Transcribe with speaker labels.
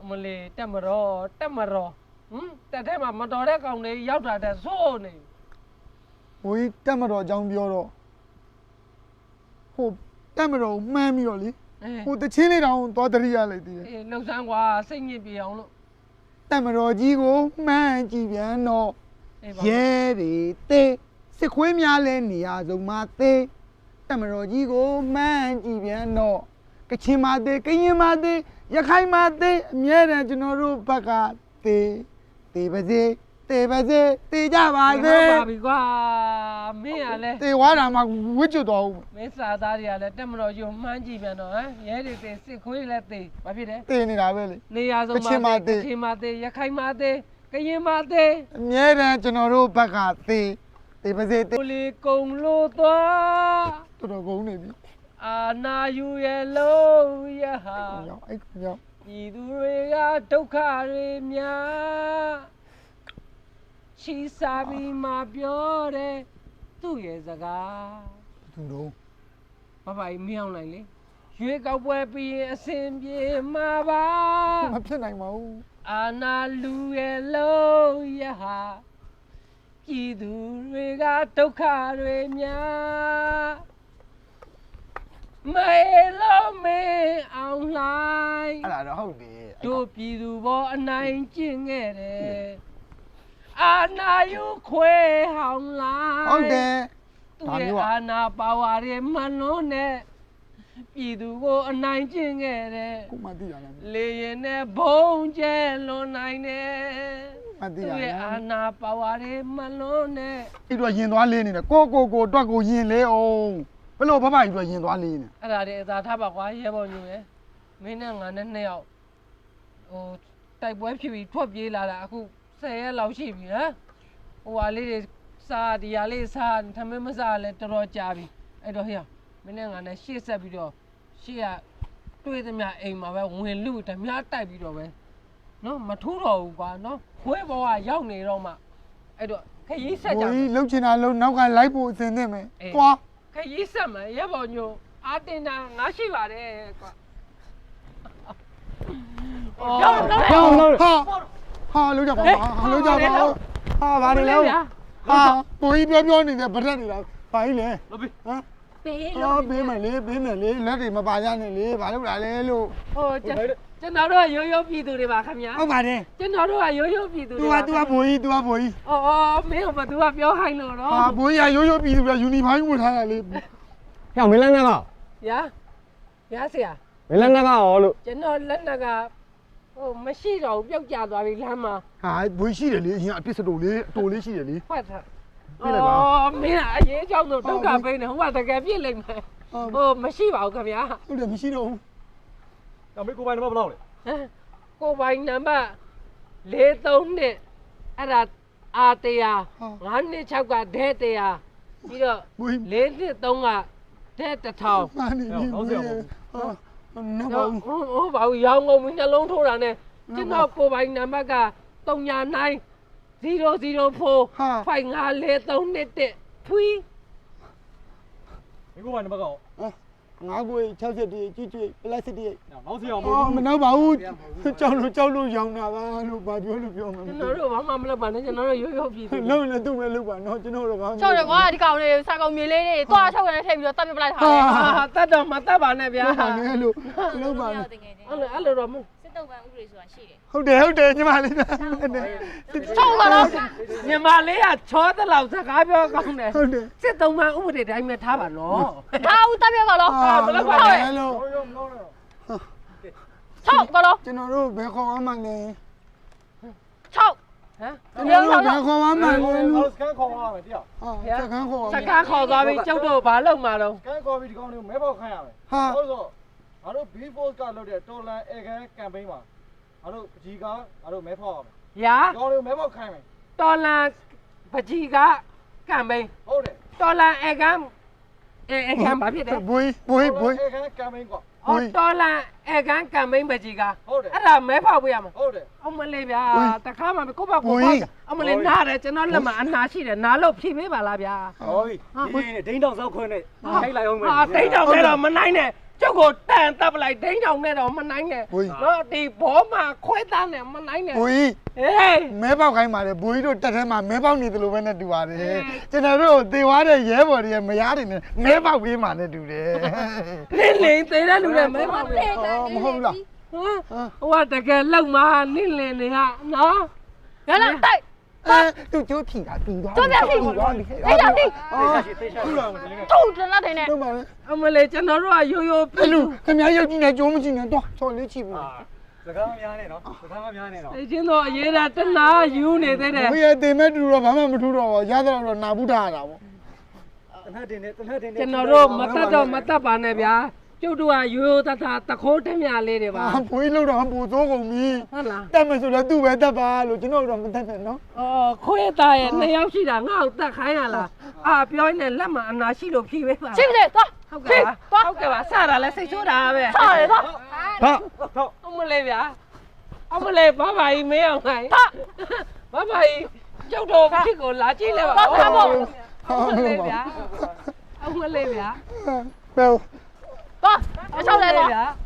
Speaker 1: မလေးတက်မတော်တက်ထဲမှာမတော်တဲ့ကောင်လေးရောက်တာတဲ့စိုးနေ
Speaker 2: ဘိုးကြီးတက်မတော်အကြောင်းပြောတော့ဟိုတက်မတော်မှန်းပြီးတော့လေဟိုတချင်းလေးတောင်သွားတရိရလိုက်သေးတယ်
Speaker 1: အေးလှုပ်ဆန်းကွာစိတ်ညစ်ပြေအောင်လို့
Speaker 2: တက်မတော်ကြီးကိုမှန်းကြည့်ပြန်တော့ရဲတွေတေးစစ်ခွေးများလဲနေရာဆုံးမှာတေးတက်မတော်ကြီးကိုမှန်းကြည့်ပြန်တော့ကချင်မသေးကရင်မသေးရခိုင်မသေးအမြဲတမ်းကျွန်တော်တို့ဘက်ကတေးပါစေတေးကြပါစေ
Speaker 1: ပါပြီကွာမင်းကလည်း
Speaker 2: တေးဝါတာမှဝစ်ကျွတ်တော်ဦး
Speaker 1: မင်းစာသားတွေကလည်းတက်မတော်ကြီးကိုမှန်းကြည့်ပြန်တော့ဟမ်ရဲတွေတေစစ်ခွေးလည်းတေဘာဖြစ်လဲ
Speaker 2: တေးနေတာပဲလေ
Speaker 1: နေရာဆုံးမှာကချင်မတေရခိုင်မတေကရင်မတေ
Speaker 2: အမြဲတမ်းကျွန်တော်တို့ဘက်ကတေးပါစေတေး
Speaker 1: ကိုလီကုံလို့သွား
Speaker 2: တော်တော်ကုန်နေပြီ
Speaker 1: အာနာယူရဲ့လုံးရဟာ
Speaker 2: ရောက်အဲ့ရောက်
Speaker 1: ပြည်သူတွေကဒုက္ခတွေများချီစားပြီးမှပြောတယ်သူ့ရဲ့စကား
Speaker 2: သူတို့
Speaker 1: ဘဘကြီးမင်းအောင်လိုက်လေရွေးကောက်ပွဲပြီးရင်အစဉ်ပြေမှာပါ
Speaker 2: မဖြစ်နိုင်ပါဘူး
Speaker 1: အာနာလူရဲ့လုံးရဟာပြည်သူတွေကဒုက္ခတွေများမေလုံးမင်းအောင်လိုက်
Speaker 2: အဲ့ဒါတော့ဟုတ်တယ်
Speaker 1: တို့ပြည်သူဘောအနိုင်ကျင့်ခဲ့တယ်အာနာယူခွဲဟောင်းလိုက်
Speaker 2: ဟုတ်တယ်
Speaker 1: သူရဲ့အာနာပါဝါတွေမလုံးနဲ့ပြည်သူကိုအနိုင်ကျင့်ခဲ့တယ်
Speaker 2: ကိုမသိရလား
Speaker 1: လေရင်နဲ့ဘုံကျဲလွန်နိုင်တယ်
Speaker 2: မသိ
Speaker 1: သူ
Speaker 2: ရ
Speaker 1: ရဲ့
Speaker 2: လား
Speaker 1: အာနာပါဝါတွေမလုံးနဲ့
Speaker 2: အဲ့တော့ရင်သွားလေးနေတယ်ကိုအတွက်ကိုရင်လေးအောင်ဘယ်လိုဘဘကြီးအတွက်ရင်သွားလေးနေ
Speaker 1: အဲ့ဒါတွေအသာထားပါကွာရဲဘော်ညူရယ်မင်းနဲ့ငါနဲ့နှစ်ယောက်ဟိုတိုက်ပွဲဖြစ်ပြီးထွက်ပြေးလာတာအခု10ရက်လောက်ရှိပြီဟမ်ဟိုဟာလေးတွေစားဒီဟာလေးစားထမင်းမစားလဲတော်တော်ကြာပြီအဲ့တော့ဟေ့မင်းနဲ့ငါနဲ့ရှေ့ဆက်ပြီးတော့ရှေ့ကတွေးသမျှအိမ်မှာပဲဝင်လူဓမြတိုက်ပြီးတော့ပဲနော်မထူးတော့ဘူးကွာနော်ခွေးဘောကရောက်နေတော့မှအဲ့တော့ခရီးဆက်ကြ
Speaker 2: ဘိုးကြီးလှုပ်ချင်တာလှုပ်နောက်ကလိုက်ဖို့အစင်သင့်မယ်
Speaker 1: အေး
Speaker 2: သွား
Speaker 1: ခရီးဆက်မယ်ရဲဘော်ညိုအာတင်တာငါရှိပါတယ်ကွာ
Speaker 2: ဟာလှုပ်ကြပါလှုပ်ကြပါဟာဘာလဲလဲဟာဘိုးကြီးပြောနေတဲ့ဗရက်နေတာဘာကြီးလဲ
Speaker 3: လုပ်ပြီ
Speaker 2: ဟမ်
Speaker 4: ပေး
Speaker 2: အော်
Speaker 4: လို့
Speaker 2: ပေးမယ်လေလက်တွေမပါရနဲ့လေဘာလို့လာလဲလို့
Speaker 1: ဟိုကျွန်တော်တို့ကရိုးရိုးပြည်သူတွေပါခင်ဗျာ
Speaker 2: ဟုတ်ပါတယ်
Speaker 1: ကျွန်တော်တို့ကရိုးရိုးပြည်သူ
Speaker 2: तू
Speaker 1: တွေ
Speaker 2: က
Speaker 1: ပါ
Speaker 2: तू ကဘိုးကြီး तू ကဘိုးကြီး
Speaker 1: အော်မင်းကဘာသူကပြောဟိုင်းလို့တော့
Speaker 2: ဟာဘိုးကြီးကရိုးပြည်သူကယူနီဖိုင်းဝတ်ထားတာလေ
Speaker 3: ဟဲ့မင်းလည်းငါက
Speaker 1: ရာဆရာ
Speaker 3: မင်းလည်းငါကရောလို့
Speaker 1: ကျွန်တော်လက်နက်ကဟိုမရှိတော့ဘူးပြုတ်ကျသွားပြီလမ်းမှာ
Speaker 2: ဟာဘိုးရှိတယ်လေအရင်အပြစ်စတိုလေးအတိုလေးရှိတယ်လေ
Speaker 1: ဖတ်ထား
Speaker 2: ပြစ်လိုက်ပါ
Speaker 1: မင်းကအရေးကြောင့်တော့ဒုက္ခပေးနေဟိုကတကယ်ပြစ်လိုက်မယ်ဟိုမရှိပါဘူးခင်ဗျာ
Speaker 2: ဟုတ်တယ်မရှိတော့ဘူး
Speaker 3: ။ဒါမင်းကိုပိုင်နံပါတ်ဘယ်လောက်လဲ
Speaker 1: ဟမ်ကိုပိုင်နံပါတ်43နဲ့အဲ့ဒါအာတရား926ကဒဲတရားပြီးတော့
Speaker 2: ဘိုးကြီး
Speaker 1: 4နှစ်3ကဒဲ1000
Speaker 2: မာနေပြီဘိုးကြီးဟာနော်ဘာဘူး
Speaker 1: ဟိုဘာရောင်းကုန်ပြီနှလုံးထိုးတာနဲ့ကျွန်တော်ကိုပိုင်နံပါတ်က39 004 5543ဖွီး
Speaker 3: ။မင်းကိုပိုင်နံပါတ်ကရော
Speaker 2: ငါးကို60တိကြည့်ပလက်စတစ်
Speaker 3: နောက်စီအောင်မ
Speaker 2: အော်မနောက်ပါဘူးကြောက်လို့ရောင်းတာပါလို့ဘာပြောလို့ပြောမှာ
Speaker 1: ကျွန်တော်တို့ဘာမှမလုပ်ပါနဲ့ကျွန်တော်တို့ရိုးရိုးပြည်သူ
Speaker 2: လုံးလည်းသူ့ပဲလုပ်ပါနော်ကျွန်တော်တို့ဘာ
Speaker 4: ချောက်တယ်ကွာဒီကောင်လေးစာကောင်မြေလေးတွေတွားချောက်ရတဲ့ထိပ်ပြီးတော့တတ်ပြပလိုက်တာလေ
Speaker 1: တတ်တော့မတတ်ပါနဲ့ဗျာ
Speaker 2: လုပ်ပါနဲ့လို့လုပ်ပါနဲ့
Speaker 4: တကယ်ချင်း
Speaker 1: အဲ့လိုတော့မ
Speaker 4: စစ်တုပ်ပန်းဥပဒေဆိုတာရှိတယ်
Speaker 2: ဟုတ်တယ်ညီမလေးနဲ့
Speaker 4: ချောက်ပါတော့
Speaker 1: မြန်မာလေးကချောတဲ့လောက်စကားပြောကောင်းတယ်
Speaker 2: ဟုတ်တယ်
Speaker 1: စစ်သုံးမှဥပဒေတိုင်းပဲထားပါနော်
Speaker 4: ဒါဦးတတ်ပြပါတော့
Speaker 2: ဘယ်လိုပါလဲလို့
Speaker 3: ရောမလို့တော့
Speaker 4: ချောက်ပါတော့
Speaker 2: ကျွန်တော်တို့ဘယ်ခေါ်မှန်းလဲ
Speaker 4: ချောက်
Speaker 1: ဟမ်
Speaker 2: ကျွန်တော်တို့ဘယ်ခေါ်မှန်းလဲ
Speaker 3: နောက်စကန်ခေါ်ရမယ်တရား
Speaker 2: ဟာစကန်းခေါ်
Speaker 1: စကားခေါ်သွားပြီးကျုပ်တို့ဘာလုပ်မှာတော့
Speaker 3: ။စကန်ခေါ်ပြီးဒီကောင်လေးကိုမဲပေါက်ခိုင်းရမယ်
Speaker 2: ဟာ
Speaker 3: ဟုတ်ဆိုငါတို့ B4 ကလုပ်တဲ့တော်လန်အေကန်ကမ်ပိန်းမှာငါတို့ပကြီးကငါတို့မဲဖောက်ရမယ်
Speaker 1: ရာ
Speaker 3: ။ဒီကောင်လေးကိုမဲပေါက်ခိုင်းမယ်
Speaker 1: တော်လန်ပကြီးကကံပိန်း
Speaker 3: ။ဟုတ်တယ်
Speaker 1: တော်လန်အေကန်ဘာဖြစ်တယ်
Speaker 2: ဘွေး
Speaker 3: အေကန်ကမ်ပိန်းကွာ
Speaker 1: အော်တော်လန်အေကန်ကံပိန်းပကြီးက
Speaker 3: ဟုတ်တယ်
Speaker 1: အဲ့ဒါမဲဖောက်ပေးရမှာ
Speaker 3: ဟုတ်တယ်
Speaker 1: အမလေးဗျာတခါမှကိုပေါ့ကိုပေါ့အမလေးနားတယ်ကျွန်တော်လက်မှာအနာရှိတယ်နားလို့ဖြည့်ပေးပါလားဗျာ
Speaker 3: ။ဟောပြီ။ဒီဒိန်းတောင်စောက်ခွင်းနဲ့ထိုက်လိုက်အောင်မယ်
Speaker 1: ဟာတိတ်တော့မဲတော့မနိုင်နဲ့ကျုပ်ကိုတန်တပ်ပလိုက်ဒိန်းတောင်နဲ့တော့မနိုင်နဲ့နော်ဒီဘောမှာခွဲသားနဲ့မနိုင်နဲ့
Speaker 2: ဘိုးကြီး
Speaker 1: ဟေး
Speaker 2: မဲပေါက်ခိုင်းပါလေဘိုးကြီးတို့တက်ထဲမှာမဲပေါက်နေတယ်လို့ပဲနဲ့တူပါတယ်ကျွန်တော်တို့သေသွားတဲ့ရဲဘော်တွေရဲ့မယားတွေနဲ့မဲပေါက်ပေးမှနဲ့တူတယ်
Speaker 1: လင်းလင်းသေးတဲ့လူတွေမဲပါပဲ
Speaker 2: မဟုတ်ဘူးလား
Speaker 1: ဟိုကတကယ်လောက်မှာနင်းလင်းနေဟာနော်
Speaker 4: ရလာတိုက်
Speaker 2: သူကျိုးဖြီတာတူသွား
Speaker 4: ကျိုးပြဖြီ
Speaker 2: သွားပြီ
Speaker 4: အေးရတိ
Speaker 3: တေချာခုလာမတယ်
Speaker 4: တူတလားတဲ့နဲ့
Speaker 2: တို့ပါလေ
Speaker 1: အမလေးကျွန်တော်တို့ကရိုးရိုး
Speaker 2: အဲ့လူခင်ဗျားရုပ်ကြည့်နေကြိုးမကြည့်နဲ့တော့ချော်လေးချီဘူး
Speaker 3: စကားမများနဲ့နော်စကားမများနဲ့နော်
Speaker 1: သိချင်းတော့အရေးတာတနာယူနေသေးတယ်
Speaker 2: ဘိုးရဲ့တင်မဲ့တူတော့ဘာမှမထူတော့ဘူးရသတော့နာဘူးထားရတာပေါ့
Speaker 3: တနက်တင်နေတနက်တင်နေ
Speaker 1: ကျွန်တော်တို့မတတ်တော့မတတ်ပါနဲ့ဗျာကျုပ်တို့ကရိုးရိုးသားသားတခိုးတည်းမြလေးတွေပါ
Speaker 2: ဘိုးကြီးလောက်တော့ပူစိုးကုန်ပြီ
Speaker 1: ဟုတ်လား
Speaker 2: တက်မယ်ဆိုတော့သူ့ပဲတက်ပါလို့ကျွန်တော်တို့မတက်နဲ့နော်
Speaker 1: အော်ခွေးသားရဲ့2ယောက်ရှိတာငါ့ကိုတတ်ခိုင်းရလားအာပြောရင်လည်းလက်မှာအနာရှိလို့ဖြီးပေးပါ
Speaker 4: ရှိပြီသွား
Speaker 1: ဟုတ်ကဲ့ပါဟုတ်ကဲ့ပါစတာလဲစိတ်ဆိုးတာပဲ
Speaker 4: ဆောရသွား
Speaker 2: ဟာ
Speaker 3: ဟုတ်
Speaker 1: အမလေးဗျာအမလေးဘာဘာကြီးမင်းအောင်နိုင်ဘာဘာကြီးကျုပ်တို့ဖြစ်ကိုလာကြည့်လဲပါအမလေးဗျာအမလေးဗျာ
Speaker 2: ဘယ်
Speaker 4: သွားအချောက်လဲသွား
Speaker 1: ဗျာ